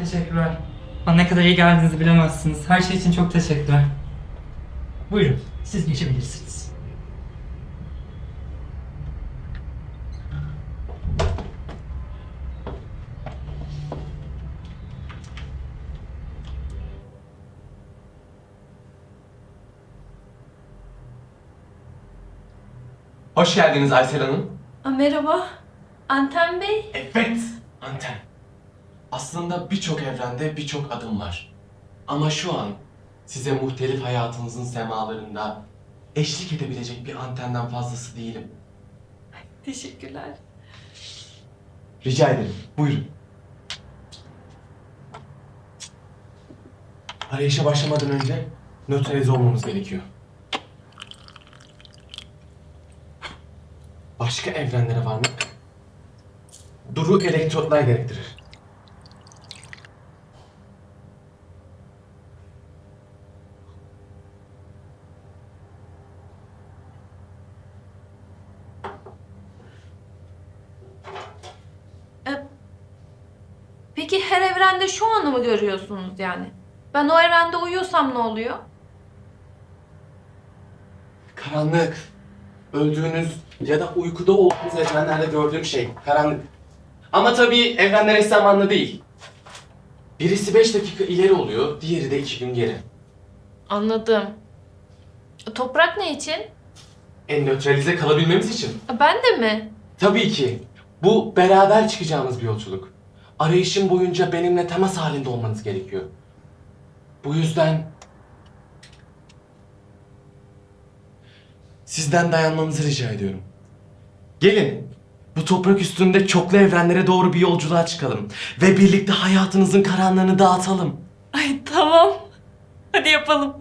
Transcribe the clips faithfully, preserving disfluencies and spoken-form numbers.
teşekkürler. Bana ne kadar iyi geldiğinizi bilemezsiniz. Her şey için çok teşekkürler. Buyurun, siz geçebilirsiniz. Hoş geldiniz Aysel Hanım. Aa, merhaba. Anten Bey. Evet, anten. Aslında birçok evrende birçok adım var. Ama şu an size muhtelif hayatınızın semalarında eşlik edebilecek bir antenden fazlası değilim. Teşekkürler. Rica ederim, buyurun. Arayışa başlamadan önce nötralize olmamız gerekiyor. Başka evrenlere varmak duru elektrotlar gerektirir. Ee, peki her evrende şu anı mı görüyorsunuz yani? Ben o evrende uyuyorsam ne oluyor? Karanlık. Öldüğünüz ya da uykuda olduğunuz evrenlerde gördüğüm şey karanlık. Ama tabii evrenler eş zamanlı değil. Birisi beş dakika ileri oluyor, diğeri de iki gün geri. Anladım. Toprak ne için? En nötralize kalabilmemiz için. Ben de mi? Tabii ki. Bu beraber çıkacağımız bir yolculuk. Arayışın boyunca benimle temas halinde olmanız gerekiyor. Bu yüzden sizden dayanmanızı rica ediyorum. Gelin, bu toprak üstünde çoklu evrenlere doğru bir yolculuğa çıkalım ve birlikte hayatınızın karanlığını dağıtalım. Ay tamam. Hadi yapalım.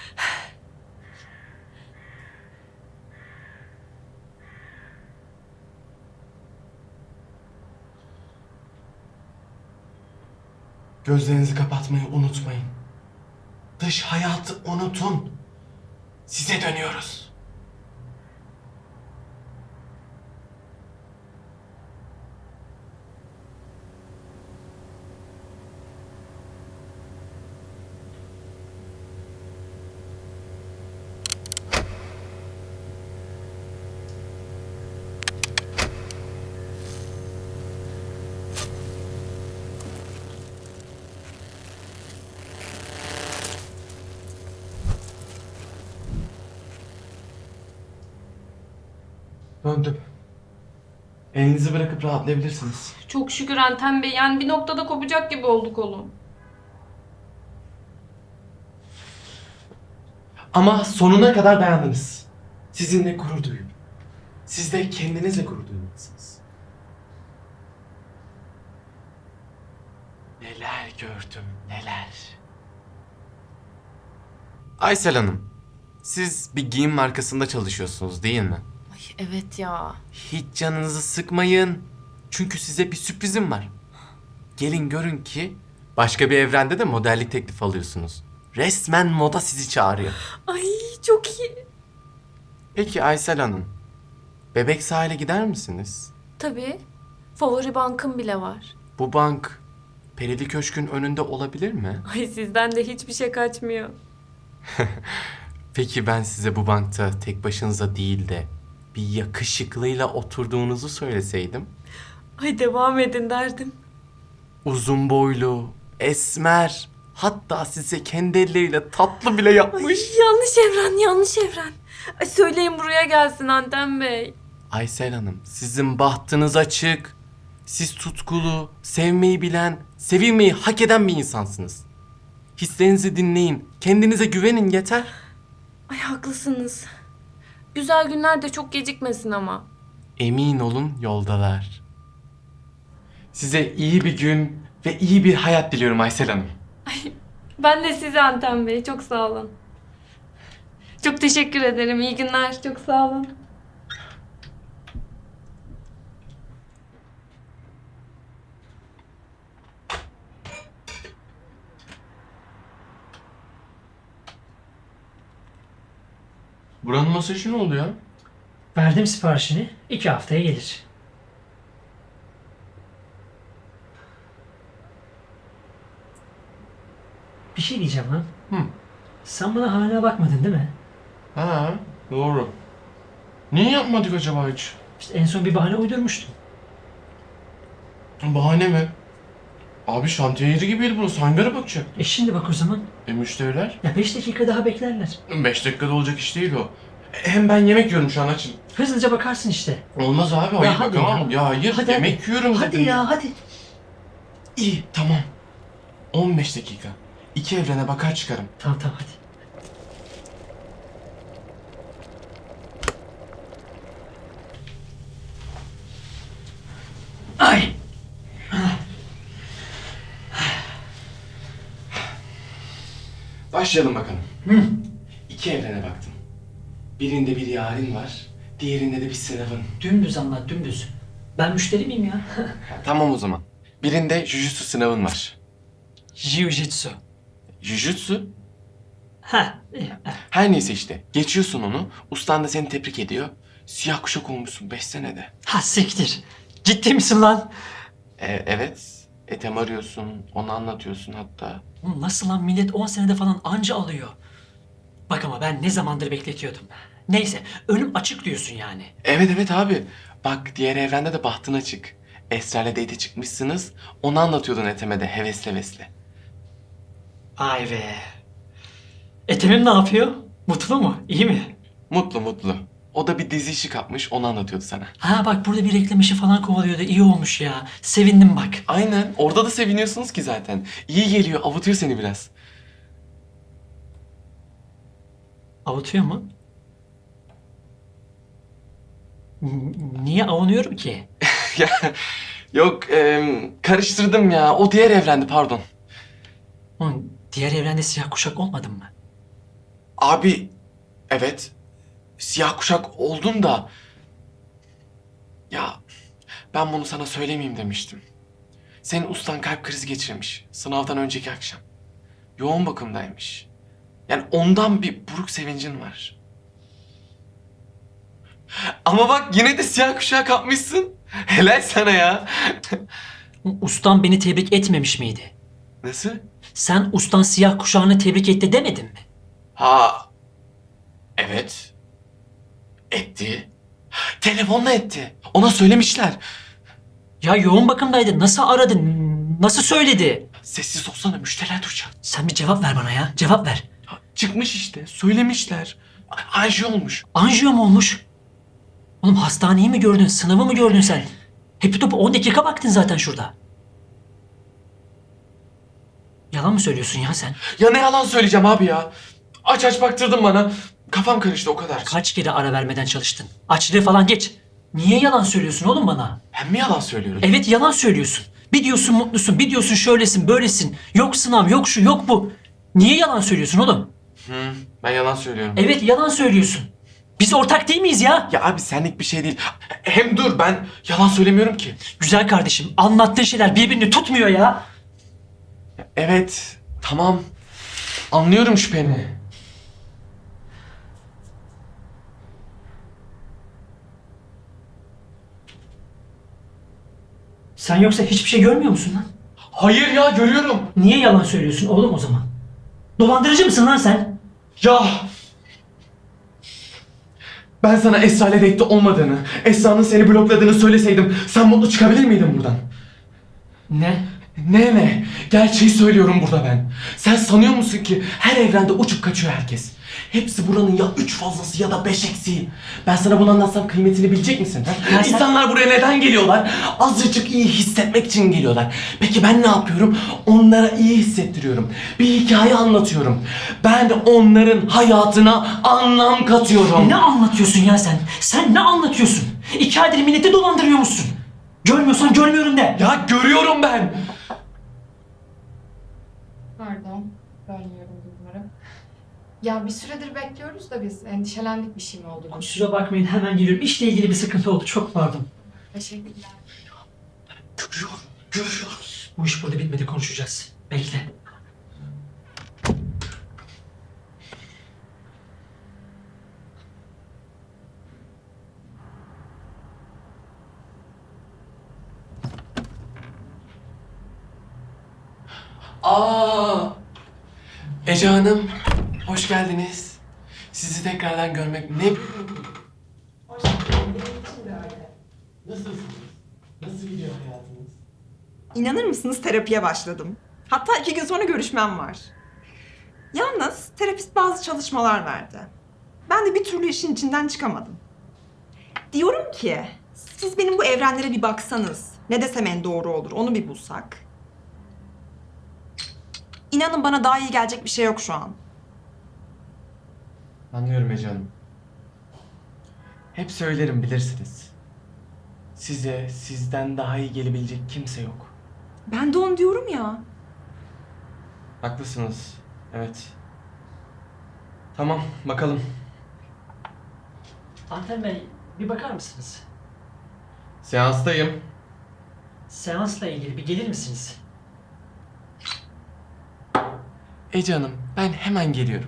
Gözlerinizi kapatmayı unutmayın. Dış hayatı unutun. Size dönüyoruz. Döndüm. Elinizi bırakıp rahatlayabilirsiniz. Çok şükür Anten Bey. Yani bir noktada kopacak gibi oldu kolum. Ama sonuna kadar dayandınız. Sizinle gurur duyuyorum. Siz de kendinizle gurur duymalısınız. Neler gördüm, neler. Aysel Hanım, siz bir giyim markasında çalışıyorsunuz değil mi? Ay evet ya. Hiç canınızı sıkmayın. Çünkü size bir sürprizim var. Gelin görün ki başka bir evrende de modellik teklif alıyorsunuz. Resmen moda sizi çağırıyor. Ay çok iyi. Peki Aysel Hanım, Bebek sahile gider misiniz? Tabii. Favori bankım bile var. Bu bank Perili Köşk'ün önünde olabilir mi? Ay sizden de hiçbir şey kaçmıyor. Peki ben size bu bankta tek başınıza değil de bir yakışıklıyla oturduğunuzu söyleseydim? Ay devam edin derdim. Uzun boylu, esmer, hatta size kendi elleriyle tatlı bile yapmış. Ay, yanlış evren, yanlış evren. Ay söyleyin buraya gelsin Anten Bey. Aysel Hanım, sizin bahtınız açık. Siz tutkulu, sevmeyi bilen, sevilmeyi hak eden bir insansınız. Hislerinizi dinleyin, kendinize güvenin yeter. Ay haklısınız. Güzel günler de çok gecikmesin ama. Emin olun yoldalar. Size iyi bir gün ve iyi bir hayat diliyorum Aysel Hanım. Ben de size Anten Bey, çok sağ olun. Çok teşekkür ederim, iyi günler, çok sağ olun. Buranın masajı ne oluyor? Verdim siparişini, iki haftaya gelir. Bir şey diyeceğim lan. Hı. Sen bana hala bakmadın değil mi? Ha, doğru. Niye yapmadık acaba hiç? İşte en son bir bahane uydurmuştun. Bahane mi? Abi şantiye yeri gibiydi burası. Hangi ara bakacak? E şimdi bak o zaman. E müşteriler? Ya beş dakika daha beklerler. Beş dakikada olacak iş değil o. E, Hem ben yemek yiyorum şu an açım. Hızlıca bakarsın işte. Olmaz abi, hayır hadi bakamam. ya. Ya, hayır, Hadi, yemek hadi. yiyorum Hadi dedim. ya hadi. İyi, tamam. on beş dakika. İki evrene bakar çıkarım. Tamam tamam hadi. Ay. Başlayalım bakalım. Hı. İki evrene baktım. Birinde bir yarın var, diğerinde de bir sınavın. Dümdüz anlat dümdüz. Ben müşteri miyim ya? Tamam o zaman. Birinde jujutsu sınavın var. Jiu-jitsu. Jujutsu? Ha. iyi. Her neyse işte. Geçiyorsun onu, ustan da seni tebrik ediyor. Siyah kuşak olmuşsun beş senede. Ha siktir. Ciddi misin lan? E, evet. Etem arıyorsun, onu anlatıyorsun hatta. Oğlum nasıl lan, millet on senede falan anca alıyor. Bak ama ben ne zamandır bekletiyordum. Neyse önüm açık diyorsun yani. Evet evet abi. Bak diğer evrende de bahtın açık. Esra'yla date çıkmışsınız. Onu anlatıyordun Ethem'e de hevesli hevesli. Vay be. Etemim ne yapıyor? Mutlu mu? İyi mi? Mutlu mutlu. O da bir dizi işi kapmış, onu anlatıyordu sana. Ha bak burada bir reklam işi falan kovalıyordu. İyi olmuş ya. Sevindim bak. Aynen. Orada da seviniyorsunuz ki zaten. İyi geliyor, avutuyor seni biraz. Avutuyor mu? N- Niye avunuyorum ki? Ya yok, em, karıştırdım ya. O diğer evrendi, pardon. Oğlum diğer evrende siyah kuşak olmadın mı? Abi, evet. Siyah kuşak oldun da... Ya ben bunu sana söylemeyeyim demiştim. Senin ustan kalp krizi geçirmiş. Sınavdan önceki akşam. Yoğun bakımdaymış. Yani ondan bir buruk sevincin var. Ama bak yine de siyah kuşağı kapmışsın. Helal sana ya. Ustan beni tebrik etmemiş miydi? Nasıl? Sen ustan siyah kuşağını tebrik etti demedin mi? Ha. Evet. Etti. Telefonla etti. Ona söylemişler. Ya yoğun bakımdaydı. Nasıl aradı? Nasıl söyledi? Sessiz olsana, müşteriler duyacak. Sen bir cevap ver bana ya. Cevap ver. Ya, çıkmış işte. Söylemişler. Anji olmuş. Anjiyo mu olmuş? Oğlum hastaneyi mi gördün? Sınavı mı gördün sen? Hepi topu on dakika baktın zaten şurada. Yalan mı söylüyorsun ya sen? Ya ne yalan söyleyeceğim abi ya. Aç aç baktırdın bana. Kafam karıştı o kadar. Kaç kere ara vermeden çalıştın? Açlığı falan geç. Niye yalan söylüyorsun oğlum bana? Ben mi yalan söylüyorum? Evet yalan söylüyorsun. Bir diyorsun mutlusun, bir diyorsun şöylesin, böylesin. Yok sınav, yok şu, yok bu. Niye yalan söylüyorsun oğlum? Hı, ben yalan söylüyorum. Evet yalan söylüyorsun. Biz ortak değil miyiz ya? Ya abi senlik bir şey değil. Hem dur, ben yalan söylemiyorum ki. Güzel kardeşim, anlattığın şeyler birbirini tutmuyor ya. Evet, tamam. Anlıyorum şüpheni. Sen yoksa hiçbir şey görmüyor musun lan? Hayır ya, görüyorum. Niye yalan söylüyorsun oğlum o zaman? Dolandırıcı mısın lan sen? Ya. Ben sana Esra ile date'te olmadığını, Esra'nın seni blokladığını söyleseydim sen mutlu çıkabilir miydin buradan? Ne? Ne ne? Gerçeği söylüyorum burada ben. Sen sanıyor musun ki her evrende uçup kaçıyor herkes? Hepsi buranın ya üç fazlası ya da beş eksiği. Ben sana bunu anlatsam kıymetini bilecek misin? Ha? Ya sen- İnsanlar buraya neden geliyorlar? Azıcık iyi hissetmek için geliyorlar. Peki ben ne yapıyorum? Onlara iyi hissettiriyorum. Bir hikaye anlatıyorum. Ben onların hayatına anlam katıyorum. Ne anlatıyorsun ya sen? Sen ne anlatıyorsun? İki aydır milleti dolandırıyor musun? Görmüyorsan görmüyorum de. Ya görüyorum ben. Pardon, bölmüyorum umarım. Ya bir süredir bekliyoruz da biz endişelendik bir şey mi oldu? Kusura bakmayın hemen geliyorum. İşle ilgili bir sıkıntı oldu. Çok pardon. Teşekkürler. Görüyorum, görüyorum. Bu iş burada bitmedi, konuşacağız. Bekle. Aa, Ece Hanım, hoş geldiniz. Sizi tekrardan görmek ne... Hoş geldin. Benim için de öyle. Nasılsınız? Nasıl gidiyor hayatınız? İnanır mısınız terapiye başladım. Hatta iki gün sonra görüşmem var. Yalnız terapist bazı çalışmalar verdi. Ben de bir türlü işin içinden çıkamadım. Diyorum ki siz benim bu evrenlere bir baksanız. Ne desem en doğru olur onu bir bulsak. İnanın bana daha iyi gelecek bir şey yok şu an. Anlıyorum Ece Hanım. Hep söylerim bilirsiniz. Size sizden daha iyi gelebilecek kimse yok. Ben de onu diyorum ya. Haklısınız. Evet. Tamam, bakalım. Anten Bey, bir bakar mısınız? Seanstayım. Seansla ilgili bir gelir misiniz? Ece Hanım, ben hemen geliyorum.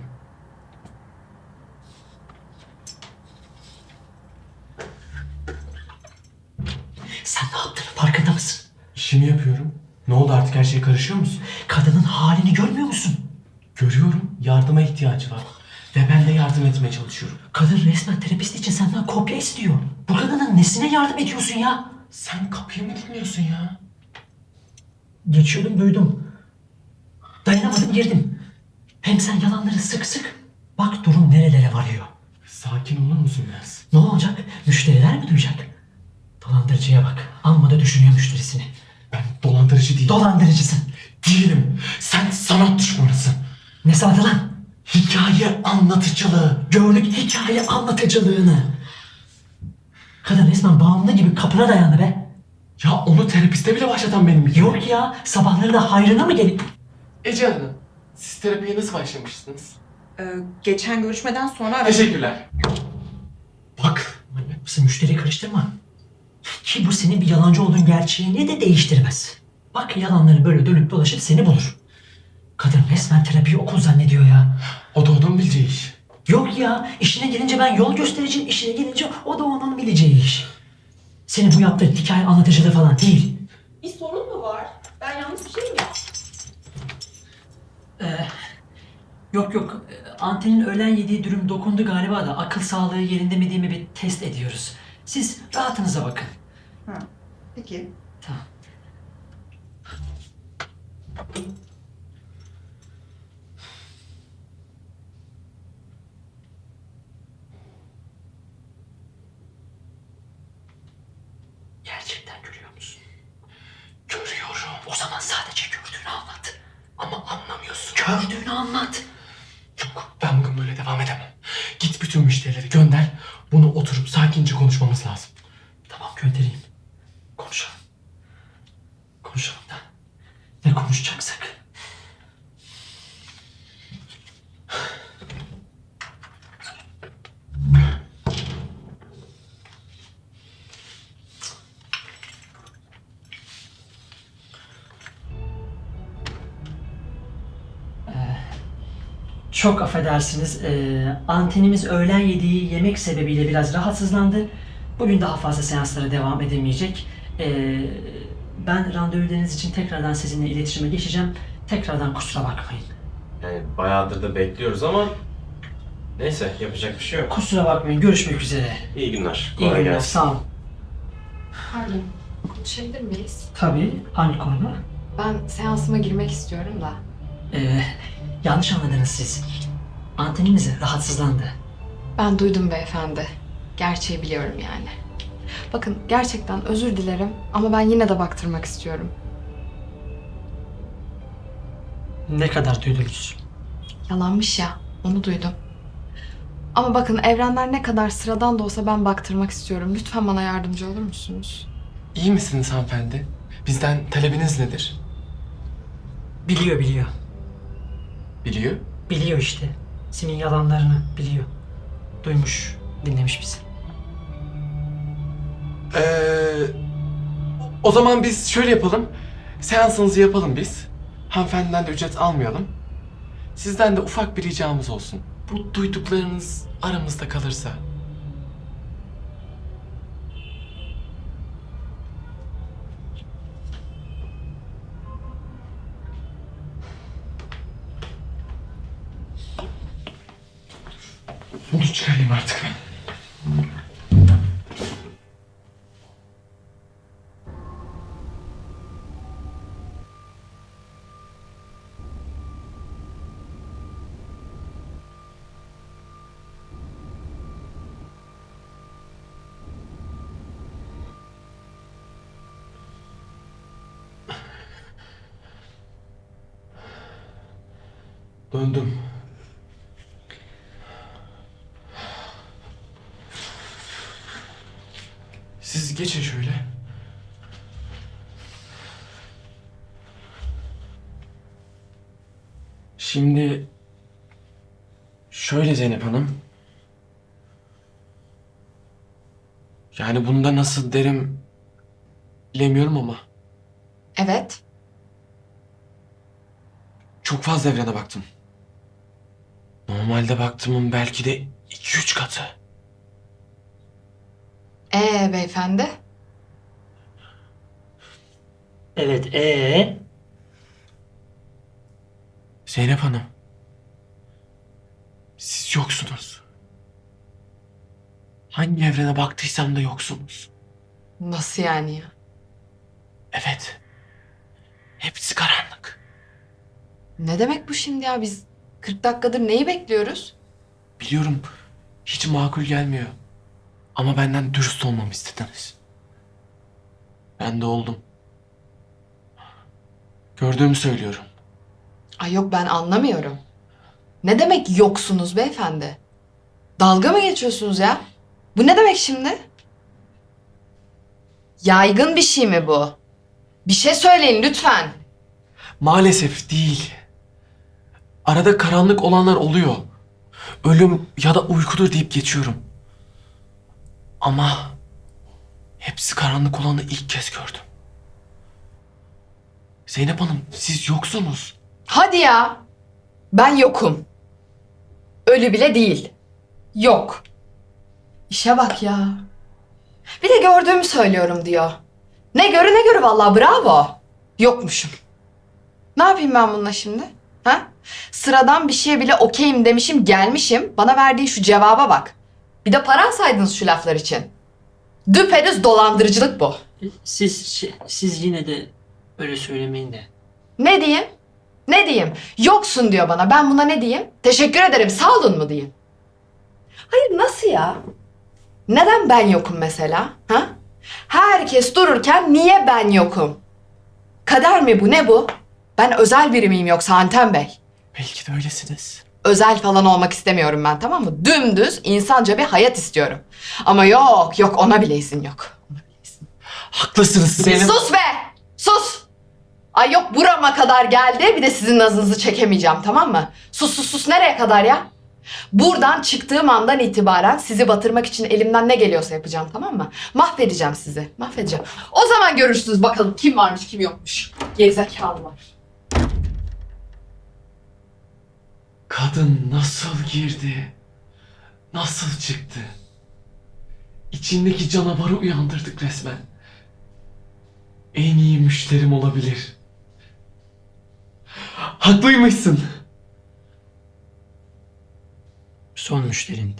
Sen ne yaptığının farkında mısın? İşimi yapıyorum. Ne oldu artık her şeye karışıyor musun? Kadının halini görmüyor musun? Görüyorum, yardıma ihtiyacı var. Ve ben de yardım etmeye çalışıyorum. Kadın resmen terapist için senden kopya istiyor. Bu kadının nesine yardım ediyorsun ya? Sen kapıyı mı dinliyorsun ya? Geçiyordum duydum. Dayanamadım girdim. Hem sen yalanları sık sık. Bak durum nerelere varıyor. Sakin olur musun biraz? Ne olacak? Müşteriler mi duyacak? Dolandırıcıya bak. Amma da düşünüyor müşterisini. Ben dolandırıcı değilim. Dolandırıcısın. Değilim. Sen sanat düşmanısın. Ne sanatı lan? Hikaye anlatıcılığı. Gördük hikaye anlatıcılığını. Kadın resmen bağımlı gibi kapına dayandı be. Ya onu terapiste bile başlatan benim. Yok ya, sabahları da hayrına mı gelip... Ece Hanım, siz terapiye nasıl başlamıştınız? Ee, geçen görüşmeden sonra aradım. Teşekkürler. Bak. Manyak mısın? Müşteriyi karıştırma. Ki bu senin bir yalancı olduğun gerçeğini de değiştirmez. Bak yalanları böyle dönüp dolaşıp seni bulur. Kadın resmen terapiyi okul zannediyor ya. O da onun bileceği iş. Yok ya, işine gelince ben yol göstereceğim, işine gelince o da onun bileceği iş. Senin bu yaptığın hikaye anlatıcılığı falan değil. Bir sorun mu var? Ben yanlış bir şey mi yaptım? Ee, yok yok, Anten'in öğlen yediği dürüm dokundu galiba da akıl sağlığı yerinde mi değil mi bir test ediyoruz. Siz rahatınıza bakın. Ha, peki. Tamam. Gerçekten görüyor musun? Görüyorum. O zaman sadece gördüğünü anlat. Ama anlamıyorsun. Gördüğünü anlat. Yok, ben bugün böyle devam edemem. Git bütün müşterileri gönder. Bunu oturup sakince konuşmamız lazım. Tamam göndereyim. Konuşalım. Konuşalım da. Ne konuşacaksak. Çok affedersiniz. Ee, antenimiz öğlen yediği yemek sebebiyle biraz rahatsızlandı. Bugün daha fazla seanslara devam edemeyecek. Ee, ben randevularınız için tekrardan sizinle iletişime geçeceğim. Tekrardan kusura bakmayın. Yani bayağıdır da bekliyoruz ama neyse yapacak bir şey yok. Kusura bakmayın. Görüşmek üzere. İyi günler. İyi Kolay günler. gelsin. Sağ olun. Pardon, konuşabilir miyiz? Tabii. Hangi konuda? Ben seansıma girmek istiyorum da. Ee, yanlış anladınız siz. Antenimiz rahatsızlandı. Ben duydum beyefendi. Gerçeği biliyorum yani. Bakın gerçekten özür dilerim ama ben yine de baktırmak istiyorum. Ne kadar duydunuz? Yalanmış ya, onu duydum. Ama bakın evrenler ne kadar sıradan da olsa ben baktırmak istiyorum. Lütfen bana yardımcı olur musunuz? İyi misiniz hanımefendi? Bizden talebiniz nedir? Biliyor biliyor. Biliyor. Biliyor işte. Senin yalanlarını biliyor. Duymuş, dinlemiş bizi. Ee, o zaman biz şöyle yapalım. Seansınızı yapalım biz. Hanımefendiden de ücret almayalım. Sizden de ufak bir ricamız olsun. Bu duyduklarınız aramızda kalırsa. Bunu çıkarayım artık. Döndüm. Siz geçin şöyle. Şimdi şöyle Zeynep Hanım. Yani bunda nasıl derim bilemiyorum ama Evet. çok fazla evrene baktım. Normalde baktığımın belki de iki üç katı. Ee beyefendi? Evet, ee? Zeynep Hanım. Siz yoksunuz. Hangi evrene baktıysam da yoksunuz. Nasıl yani ya? Evet. Hepsi karanlık. Ne demek bu şimdi ya? Biz kırk dakikadır neyi bekliyoruz? Biliyorum hiç makul gelmiyor. Ama benden dürüst olmamı istediniz. Ben de oldum. Gördüğümü söylüyorum. Ay yok ben anlamıyorum. Ne demek yoksunuz beyefendi? Dalga mı geçiyorsunuz ya? Bu ne demek şimdi? Yaygın bir şey mi bu? Bir şey söyleyin lütfen. Maalesef değil. Arada karanlık olanlar oluyor. Ölüm ya da uykudur deyip geçiyorum. Ama hepsi karanlık olanı ilk kez gördüm. Zeynep Hanım siz yoksunuz. Hadi ya. Ben yokum. Ölü bile değil. Yok. İşe bak ya. Bir de gördüğümü söylüyorum diyor. Ne görü ne görü vallahi bravo. Yokmuşum. Ne yapayım ben bununla şimdi? Ha? Sıradan bir şeye bile okeyim demişim gelmişim. Bana verdiği şu cevaba bak. Bir de para alsaydınız şu laflar için. Düpedüz dolandırıcılık bu. Siz, şi- siz yine de öyle söylemeyin de. Ne diyeyim? Ne diyeyim? Yoksun diyor bana. Ben buna ne diyeyim? Teşekkür ederim. Sağ olun mu diyeyim? Hayır nasıl ya? Neden ben yokum mesela? Ha? Herkes dururken niye ben yokum? Kader mi bu? Ne bu? Ben özel biri miyim yoksa Anten Bey? Belki de öylesiniz. Özel falan olmak istemiyorum ben, tamam mı? Dümdüz insanca bir hayat istiyorum. Ama yok yok ona bile izin yok. Ona bile izin. Haklısınız Zeynep. Sus be! Sus! Ay yok burama kadar geldi bir de sizin nazınızı çekemeyeceğim tamam mı? Sus sus sus nereye kadar ya? Buradan çıktığım andan itibaren sizi batırmak için elimden ne geliyorsa yapacağım tamam mı? Mahvedeceğim sizi mahvedeceğim. O zaman görürsünüz bakalım kim varmış kim yokmuş. Gerizekalılar. Kadın nasıl girdi? Nasıl çıktı? İçindeki canavarı uyandırdık resmen. En iyi müşterim olabilir. Haklıymışsın. Son müşterimdi.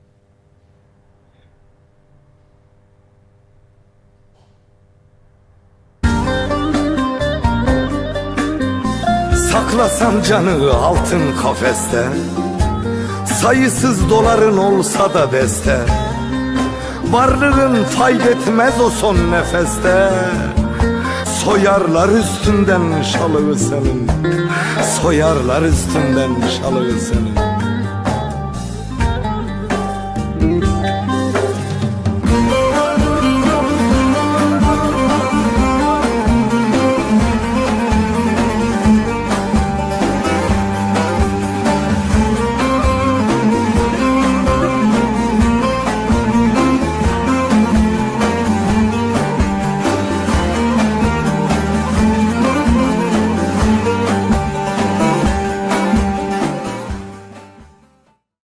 Saklasan canı altın kafeste, sayısız doların olsa da beste, varlığın faydetmez o son nefeste. Soyarlar üstünden şalığı senin, soyarlar üstünden şalığı senin.